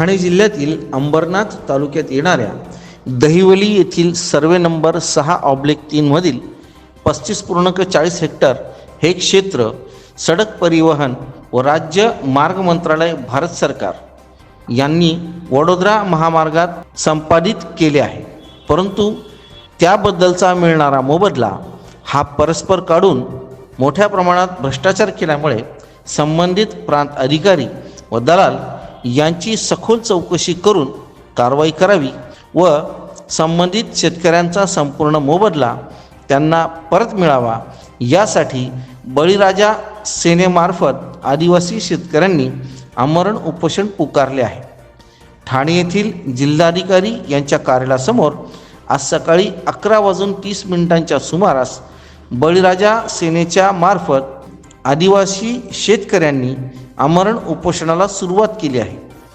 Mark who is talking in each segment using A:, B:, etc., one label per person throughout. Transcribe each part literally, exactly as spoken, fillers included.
A: ठाणे जिल्ह्यातील अंबरनाथ तालुक्यात येणाऱ्या दहिवली येथील सर्वे नंबर सहा ऑब्लिक तीनमधील पस्तीस पूर्णांक चाळीस हेक्टर हे क्षेत्र सडक परिवहन व राज्य मार्ग मंत्रालय भारत सरकार यांनी वडोदरा महामार्गात संपादित केले आहे। परंतु त्याबद्दलचा मिळणारा मोबदला हा परस्पर काढून मोठ्या प्रमाणात भ्रष्टाचार केल्यामुळे संबंधित प्रांत अधिकारी व दलाल यांची सखोल चौकशी करून कारवाई करावी व संबंधित शेतकऱ्यांचा संपूर्ण मोबदला त्यांना परत मिळावा यासाठी बळीराजा सेनेमार्फत आदिवासी शेतकऱ्यांनी आमरण उपोषण पुकारले आहे। ठाणे येथील जिल्हाधिकारी यांच्या कार्यालयासमोर आज सकाळी अकरा वाजून तीस मिनिटांच्या सुमारास बळीराजा सेनेच्या मार्फत आदिवासी शेतकऱ्यांनी आमरण उपोषणाला सुरुवात केली आहे।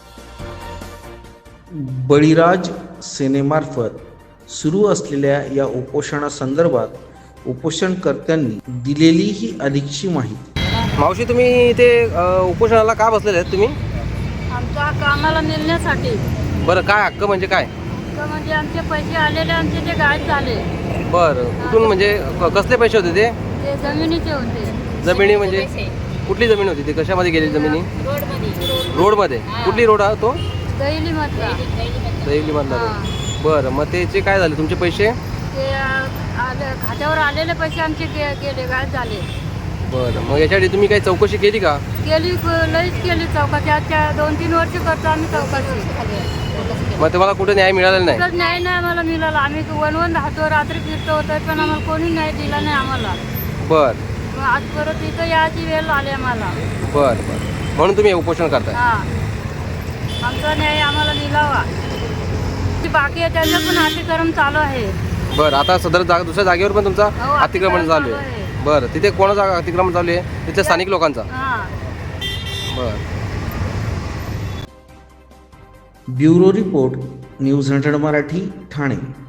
A: बळीराज सेनेमार्फत सुरू असलेल्या या उपोषणासंदर्भात उपोषणकर्त्यांनी दिलेली ही अधिकची माहिती।
B: मावशी, तुम्ही इथे उपोषणाला का बसलेले आहेत तुम्ही?
C: आमच्या कामाला मिळण्यासाठी।
B: बरं, काय हक्क म्हणजे काय?
C: हक्क म्हणजे आमचे पैसे आलेले, आमचे ते गायब झाले।
B: बरं, कुठून म्हणजे क- कसले पैसे होते ते?
C: ते जमिनीचे होते।
B: जमिनी म्हणजे कुठली जमीन होती? ते कशामध्ये गेली जमिनी?
C: रोडमध्ये।
B: रोडमध्ये? कुठली रोड हा तो?
C: दैली मधला।
B: दहिवली मधला रोड। बरं, मग त्याचे काय झाले तुमचे पैसे?
C: ते आले खात्यावर आलेले पैसे आमचे गे- गेले गायब झाले।
B: बरं, मग याच्यासाठी तुम्ही काही चौकशी केली का?
C: केली, लईच केली चौकशी। आजच्या दोन तीन वर्ष करतो आम्ही चौकशी।
B: मग तुम्हाला कुठे न्याय मिळालेला नाही?
C: कुठंच न्याय नाही आम्हाला मिळाला। आम्ही वनवन राहतो, रात्री फिरतो होतो, पण आम्हाला कोणी न्याय दिला नाही आम्हाला।
B: बरं
C: मग आज परत इथं याची वेळ आली आम्हाला।
B: बरं बरं, म्हणून तुम्ही हे उपोषण करताय?
C: हा, आमचा न्याय आम्हाला मिळावा। जी बाकी आहे त्यांचं पण अतिक्रमण चालू आहे।
B: बरं, आता सदर जागा दुसऱ्या जागेवर पण तुमचा
C: हो,
B: अतिक्रमण
C: अतिक्रमण
B: चालू
C: चालू
B: आहे?
C: आहे।
B: बरं, तिथे कोणाचा अतिक्रमण चालू आहे? तिथल्या स्थानिक लोकांचा?
C: हा।
B: बरं।
A: Bureau report, news hundred Marathi, Thane.